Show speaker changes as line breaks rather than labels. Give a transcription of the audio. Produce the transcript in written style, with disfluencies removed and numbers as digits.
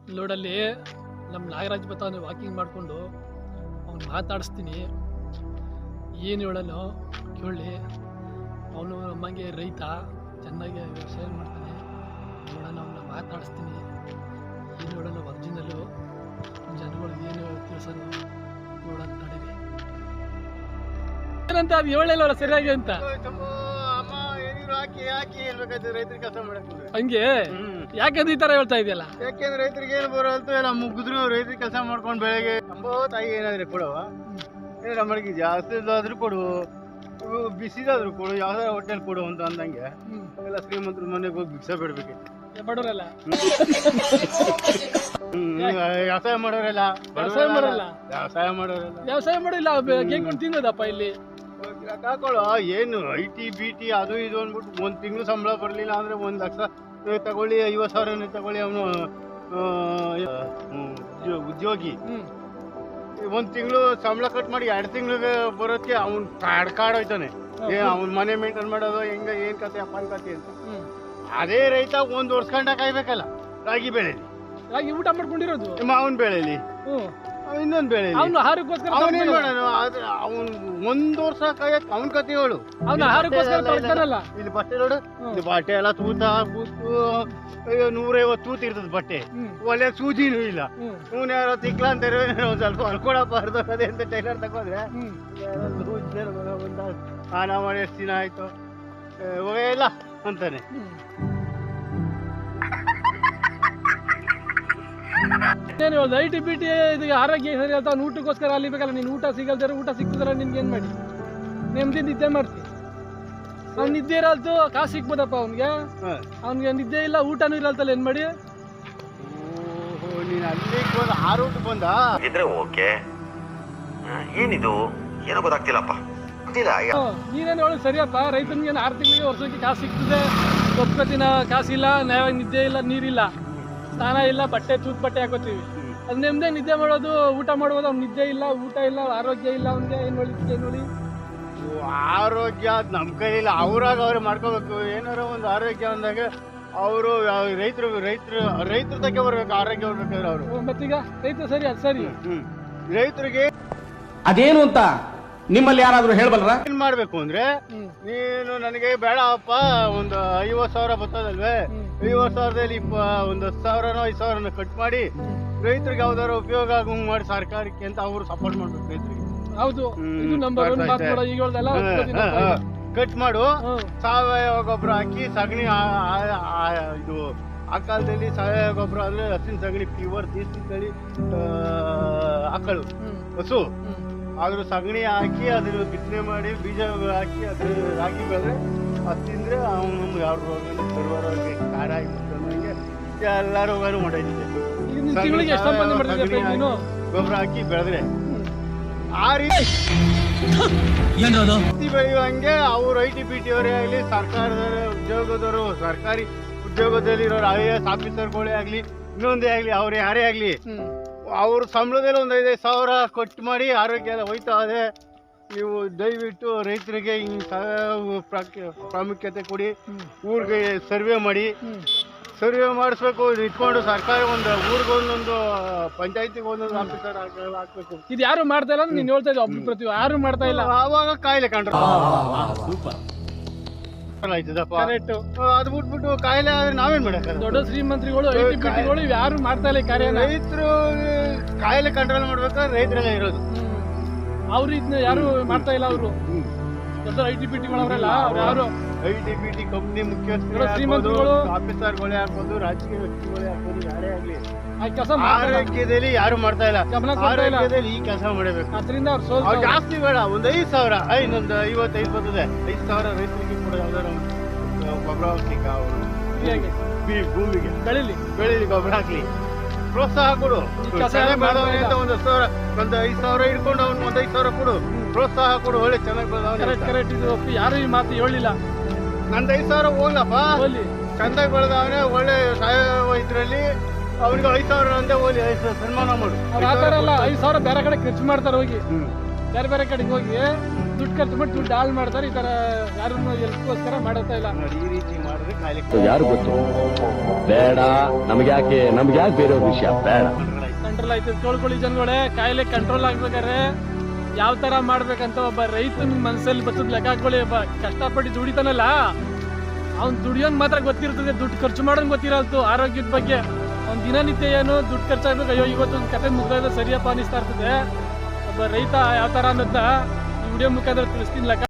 ಲೋಡಲ್ಲಿ ನಮ್ಮ ನಾಗರಾಜ್ ಬರ್ತಾನೆ ವಾಕಿಂಗ್ ಮಾಡಿಕೊಂಡು ಅವ್ನು ಮಾತಾಡಿಸ್ತೀನಿ. ಏನು ಹೇಳೋನು ಕೇಳಿ. ಅವನು ನಮ್ಮಂಗೆ ರೈತ, ಚೆನ್ನಾಗಿ ವ್ಯವಸಾಯ ಮಾಡ್ತಾನೆ. ನೋಡೋಣ, ಅವನ್ನ ಮಾತಾಡಿಸ್ತೀನಿ. ಏನು ಹೇಳೋಣ ಒರಿಜಿನಲ್ಲು, ಜನಗಳಿಗೆ ಏನು ತಿಳಿಸೋನು ನೋಡೋಣ ತಡೀರಿ. ಏನಂತ ಅದು ಹೇಳಲ್ಲ ಸರಿಯಾಗಿ ಅಂತ
ರೈತರಿಗೆ ಕೆಲಸ ಮಾಡಕ್ಕೆ
ಹಂಗೆ ಯಾಕಂದ್ರೆ ಈ ತರ ಹೇಳ್ತಾ ಇದೆಯಲ್ಲ.
ಯಾಕೆಂದ್ರೆ ರೈತರಿಗೆ ಏನು ಬರೋಲ್ತು ಎಲ್ಲ ಮುಗಿದ್ರು ರೈತರಿಗೆ ಕೆಲಸ ಮಾಡ್ಕೊಂಡು ಬೆಳಗ್ಗೆ ತಾಯಿ ಏನಾದ್ರೆ ಕೊಡುವ ಏನಾರ ಮಡಗಿ ಜಾಸ್ತಿ ಆದ್ರೂ ಕೊಡು, ಬಿಸಿದಾದ್ರು ಕೊಡು, ಯಾವ್ದಾರ ಹೋಟೆಲ್ ಕೊಡು ಅಂತ ಅಂದಂಗೆ ಎಲ್ಲ ಶ್ರೀಮಂತರು ಮನೆಗೆ ಹೋಗಿ ಭಿಕ್ಷೆ ಬಿಡ್ಬೇಕಿತ್ತು.
ಬಡವರಲ್ಲ
ವ್ಯವಸಾಯ ಮಾಡೋರೆಲ್ಲ ವ್ಯವಸಾಯ
ಮಾಡಿಲ್ಲ ಕೇಳ್ಕೊಂಡು ತಿನ್ನೋದಪ್ಪ ಇಲ್ಲಿ.
ಹಾಕೊಳ್ಳೋ ಏನು IT BT ಅದು ಇದು ಅಂದ್ಬಿಟ್ಟು 1 ತಿಂಗಳು ಸಂಬಳ ಬರಲಿಲ್ಲ ಅಂದ್ರೆ 1 ಲಕ್ಷ ತಗೊಳ್ಳಿ, 50,000 ತಗೊಳ್ಳಿ. ಅವನು ಉದ್ಯೋಗಿ 1 ತಿಂಗಳು ಸಂಬಳ ಕಟ್ ಮಾಡಿ 2 ತಿಂಗಳಿಗೆ ಬರೋದಕ್ಕೆ ಅವ್ನು ಕಾಡೋಯ್ತಾನೆ. ಅವ್ನ ಮನೆ ಮೇಂಟೈನ್ ಮಾಡೋದು ಹೆಂಗ ಏನ್ ಕತೆ ಅಪ್ಪನ ಕತೆ ಅಂತ. ಅದೇ ರೈತ 1 ವರ್ಷ ಗಂಟ ಕಾಯ್ಬೇಕಲ್ಲ. ರಾಗಿ ಬೆಳೆಲಿ,
ರಾಗಿ ಊಟ ಮಾಡ್ಕೊಂಡಿರೋದು,
ಮಾವನ್ ಬೆಳೆಲಿ, ಇನ್ನೊಂದು ಬೆಳೆ, ಅವನೇನ್ ಮಾಡೋಣ. ಅವ್ನು 1 ವರ್ಷ ಕಾಯಕ್ ಅವನ್ ಕತೆ ಹೇಳು. ಇಲ್ಲಿ ಬಟ್ಟೆ ನೋಡು, ಇಲ್ಲಿ ಬಟ್ಟೆ ಎಲ್ಲ ತೂತ ಕೂತು 150 ತೂತ ಇರ್ತದ ಬಟ್ಟೆ, ಒಳ್ಳೆ ಸೂಜಿನೂ ಇಲ್ಲ. ಇವ್ನು ಯಾರೋ ತಿಕ್ಲ ಅಂತಾರೆ, ಒಂದ್ ಸ್ವಲ್ಪ ಹೊಲ್ಕೊಡಪ್ಪ ಅರ್ಧಕದೆ ಅಂತ ಟೈಲರ್ ತಗೋದ್ರೆ ಸ್ನಾನ ಮಾಡಿ ಎಷ್ಟು ದಿನ ಆಯ್ತು ಇಲ್ಲ ಅಂತಾನೆ.
ಏನು IT BT ಇದು ಆರೋಗ್ಯ ಸರಿ ಹೇಳ್ತಾ ಅವ್ನು ಊಟಕ್ಕೋಸ್ಕರ ಅಲ್ಲಿ ಬೇಕಲ್ಲ. ನೀನು ಊಟ ಸಿಗಲ್ದಾರೆ, ಊಟ ಸಿಕ್ಕುದಲ್ಲ ನಿನ್ಗೆ ಏನು ಮಾಡಿ ನೆಮ್ಮದಿ ನಿದ್ದೆ ಮಾಡ್ತಿ. ಅವ್ನು ನಿದ್ದೆ ಇರಲ್ತು, ಕಾಸು ಸಿಕ್ಬೋದಪ್ಪ ಅವ್ನಿಗೆ ನಿದ್ದೆ ಇಲ್ಲ, ಊಟನೂ ಇರಲ್ತಲ್ಲ, ಏನು ಮಾಡಿ?
ನೀನು ಅಲ್ಲಿಗೆ ಬಂದು 6 ಊಟ ಬಂದ
ಇದ್ರೆ ಓಕೆ. ಏನಿದು ಏನೋ ಗೊತ್ತಾಗ್ತಿಲ್ಲಪ್ಪ.
ನೀನೇನು ಹೇಳಿ ಸರಿಯಪ್ಪ. ರೈತನಿಗೆ 6 ತಿಂಗಳಿಗೆ ವರ್ಷಕ್ಕೆ ಕಾಸು ಸಿಗ್ತದೆ, ಒಪ್ಕೋತಿನ ಕಾಸಿಲ್ಲ, ನಿದ್ದೆ ಇಲ್ಲ, ನೀರಿಲ್ಲ, ಸ್ನಾನ ಇಲ್ಲ, ಬಟ್ಟೆ ತೂತ್ ಬಟ್ಟೆ ಹಾಕೋತೀವಿ. ಅದು ನೆಮ್ಮದಿ ನಿದ್ದೆ ಮಾಡೋದು, ಊಟ ಮಾಡೋದು. ಅವ್ನು ನಿದ್ದೆ ಇಲ್ಲ, ಊಟ ಇಲ್ಲ, ಆರೋಗ್ಯ ಇಲ್ಲ, ಅವ್ನಿಗೆ ಏನು ಹೇಳಿ
ಆರೋಗ್ಯ ನಮ್ಮ ಕೈಲಿಲ್ಲ. ಅವ್ರಾಗ ಮಾಡ್ಕೋಬೇಕು. ಏನಾರ ಒಂದು ಆರೋಗ್ಯ ಅಂದಾಗ ಅವರು ರೈತರ ತಕ್ಕೆ ಬರ್ಬೇಕು, ಆರೋಗ್ಯ ಬರ್ಬೇಕಾದ್ರೆ ಅವರು.
ಮತ್ತೀಗ ರೈತ ಸರಿ, ಅದು ಸರಿ.
ರೈತರಿಗೆ
ಅದೇನು ಅಂತ ನಿಮ್ಮಲ್ಲಿ ಯಾರಾದ್ರೂ ಹೇಳ್ಬಲ್ರ?
ಏನ್ ಮಾಡ್ಬೇಕು ಅಂದ್ರೆ, ನೀನು ನನಗೆ ಬೇಡಪ್ಪ, ಒಂದು 50,000 ಬರ್ತದಲ್ವೇ, 50,000ದಲ್ಲಿ 10,000 5,000 ಕಟ್ ಮಾಡಿ ರೈತರಿಗೆ ಯಾವ್ದಾರ ಉಪಯೋಗ ಆಗಂಗ್ ಮಾಡಿ ಸರ್ಕಾರಕ್ಕೆ ಅಂತ ಅವ್ರು ಸಪೋರ್ಟ್ ಮಾಡ್ಬೇಕು ರೈತರಿಗೆ.
ಹೌದು, ಇದು ನಂಬರ್ 1 ಮಾತು ಕೂಡ. ಈಗ ಹೇಳ್ದಲ್ಲ,
ಕಟ್ ಮಾಡು, ಸಾವಯವ ಗೊಬ್ಬರ ಹಾಕಿ, ಸಗಣಿ ಇದು ಆ ಕಾಲದಲ್ಲಿ ಸಾವಯವ ಗೊಬ್ಬರ ಅಂದ್ರೆ ಹಸಿನ ಸಗಣಿ, ಪ್ಯೂರ್ ದೇಸಿ ತಳಿ ಆಕಳು ಹಸು, ಅದ್ರ ಸಗಣಿ ಹಾಕಿ ಅದನ್ನ ಬಿತ್ತನೆ ಮಾಡಿ ಬೀಜ ಹಾಕಿ ಅದ್ರ ರಾಗಿ ಬೆಳೆದ್ರೆ ಅದು ತಿಂದ್ರೆ ಅವ್ನು ನಮ್ಗೆ ಯಾವ ರೋಗ ಸರ್ವರೋಗ ಖಾರ ಆಗಿಬಿಟ್ಟಂಗೆ ಎಲ್ಲ ರೋಗನೂ ಮಾಡೈತಿದೆ. ಗೊಬ್ಬರ ಹಾಕಿ ಬೆಳೆದ್ರೆ ಆ ರೀತಿ ಬೆಳೆಯುವಂಗೆ ಅವ್ರು IT BT ಅವರೇ ಆಗಲಿ, ಸರ್ಕಾರದವರು ಉದ್ಯೋಗದವರು, ಸರ್ಕಾರಿ ಉದ್ಯೋಗದಲ್ಲಿರೋರು IAS ಆಫೀಸರ್ಗಳೇ ಆಗಲಿ, ಇನ್ನೊಂದೇ ಆಗಲಿ, ಅವ್ರು ಯಾರೇ ಆಗಲಿ, ಅವ್ರ ಸಂಬಳದಲ್ಲಿ ಒಂದು 5,000 ಕೊಟ್ಟು ಮಾಡಿ ಆರೋಗ್ಯ ಎಲ್ಲ ಹೋಯ್ತಾ ಇದೆ. ನೀವು ದಯವಿಟ್ಟು ರೈತರಿಗೆ ಹಿಂಗೆ ಪ್ರಾಮುಖ್ಯತೆ ಕೊಡಿ. ಊರಿಗೆ ಸರ್ವೆ ಮಾಡಿ, ಸರ್ವೆ ಮಾಡಿಸ್ಬೇಕು. ಇಟ್ಕೊಂಡು ಸರ್ಕಾರ ಒಂದು ಊರಿಗೊಂದೊಂದು ಪಂಚಾಯತಿಗೆ ಒಂದೊಂದು ಆಫೀಸರ್ ಹಾಕ್ಬೇಕು.
ಇದು ಯಾರು ಮಾಡ್ತಾ ಇಲ್ಲ, ನೀನು ಹೇಳ್ತಾ ಇದ್ದ ಒಬ್ಬ ಪ್ರತಿ ಯಾರು ಮಾಡ್ತಾ ಇಲ್ಲ.
ಆವಾಗ ಕಾಯಿಲೆ ಕಂಡ್ರು ಆಯ್ತದಪ್ಪ. ಅದು ಬಿಟ್ಬಿಟ್ಟು ಕಾಯಿಲೆ ಆದ್ರೆ ನಾವೇನ್ ಮಾಡಕ್ಕ?
ದೊಡ್ಡ ಶ್ರೀಮಂತ್ರಿಗಳು, IT BTಗಳು ಯಾರು ಮಾಡ್ತಾ ಇಲ್ಲ ಕಾರ್ಯ.
ರೈತರು ಕಾಯಿಲೆ ಕಂಟ್ರೋಲ್ ಮಾಡ್ಬೇಕಾದ್ರೆ ರೈತರೆಲ್ಲ ಇರೋದು,
ಅವ್ರು ಇದನ್ನ ಯಾರು ಮಾಡ್ತಾ ಇಲ್ಲ. ಅವರು ದೊಡ್ಡ IT BTಗಳವರೆಲ್ಲ ಯಾರು
IT BT ಕಂಪ್ನಿ ಮುಖ್ಯಸ್ಥರು, ಶ್ರೀಮಂತರುಗಳು, ಆಫೀಸರ್ಗಳೇ ಆಗ್ಬೋದು, ರಾಜಕೀಯ ವ್ಯಕ್ತಿಗಳೇ ಆಗ್ಬೋದು, ಯಾರೇ ಆಗ್ಲಿ ಆರೋಗ್ಯದಲ್ಲಿ ಯಾರು ಮಾಡ್ತಾ ಇಲ್ಲ. ಆರೋಗ್ಯದಲ್ಲಿ ಈ ಕೆಲಸ ಮಾಡಬೇಕು.
ಅದರಿಂದ
ಅವ್ರು ಜಾಸ್ತಿ ಬೇಡ, ಒಂದು 5,000, ಇನ್ನೊಂದು 55 ಬರ್ತದೆ. 5,000 ರೈತರಿಗೆ ಕೂಡ ಯಾವ್ದಾರ ಗೊಬ್ಬರ ಹಾಕ್ಲಿಕ್ಕೆ, ಅವರು ಭೂಮಿಗೆ ಬೆಳಿಲಿ ಗೊಬ್ಬರ ಹಾಕ್ಲಿ, ಪ್ರೋತ್ಸಾಹ ಕೊಡು. ಬೆಳೆದವನೇ ಅಂತ ಒಂದು 5,000 ಇಟ್ಕೊಂಡು ಅವ್ನು 5,000 ಕೊಡು, ಪ್ರೋತ್ಸಾಹ ಕೊಡು. ಒಳ್ಳೆ ಚೆನ್ನಾಗಿ ಬೆಳೆದವನೇ.
ಯಾರು ಈ ಮಾತು ಹೇಳಿಲ್ಲ.
ನಂದು 5,000 ಹೋಗ್ಲಪ್ಪ, ಚಂದಾಗಿ ಬೆಳೆದವನೇ ಒಳ್ಳೆ ಸಾವಯವ ಇದ್ರಲ್ಲಿ ಅವ್ರಿಗೆ 5,000 ಅಂತ ಹೋಗಿ ಸನ್ಮಾನ ಮಾಡು.
ಆ ಥರ ಎಲ್ಲ 5,000 ಬೇರೆ ಕಡೆ ಖರ್ಚು ಮಾಡ್ತಾರೆ, ಹೋಗಿ ಬೇರೆ ಬೇರೆ ಕಡೆಗೆ ಹೋಗಿ ದುಡ್ಡು ಖರ್ಚು ಮಾಡಿ ದುಡ್ಡು ಹಾಳು ಮಾಡ್ತಾರೆ. ಈ ತರ ಯಾರನ್ನು ಎಲ್ಕೋಸ್ಕರ ಮಾಡತ್ತಾ ಇಲ್ಲ.
ನೋಡಿ ಈ ರೀತಿ ಮಾಡಿದ್ರೆ ಕಾಯಿಲೆ
ಯಾರು ಗೊತ್ತು ಬೇಡ, ನಮ್ಗ್ಯಾಕೆ ಬೇರೆಯವ್ರ ವಿಷಯ ಬೇಡ.
ಕಂಟ್ರೋಲ್ ಆಯ್ತು. ಕೇಳ್ಕೊಳ್ಳಿ ಜನಗಳೇ, ಕಾಯಿಲೆ ಕಂಟ್ರೋಲ್ ಆಗ್ಬೇಕಾದ್ರೆ ಯಾವ ತರ ಮಾಡ್ಬೇಕಂತ ಒಬ್ಬ ರೈತನ ಮನಸ್ಸಲ್ಲಿ ಬರ್ತದ ಲೆಕ್ಕ ಹಾಕೊಳ್ಳಿ. ಒಬ್ಬ ಕಷ್ಟಪಟ್ಟು ದುಡಿತಾನಲ್ಲ, ಅವ್ನ್ ದುಡಿಯೋನ್ ಮಾತ್ರ ಗೊತ್ತಿರ್ತದೆ, ದುಡ್ಡು ಖರ್ಚು ಮಾಡೋನ್ ಗೊತ್ತಿರಲ್ತು. ಆರೋಗ್ಯದ ಬಗ್ಗೆ ಅವ್ನ ದಿನನಿತ್ಯ ಏನು ದುಡ್ಡು ಖರ್ಚಾಗ್ಬೇಕು, ಅಯ್ಯೋ ಇವತ್ತು ಒಂದು ಕತೆ ಮುಗಿದ ಸರಿಯಪ್ಪ ಅನಿಸ್ತಾ ಇರ್ತದೆ. ಒಬ್ಬ ರೈತ ಯಾವ ತರ ಅನ್ನೋದನ್ನ ಈ ವಿಡಿಯೋ ಮುಖಾಂತರ ತಿಳಿಸ್ತೀನಿ ಲೆಕ್ಕ.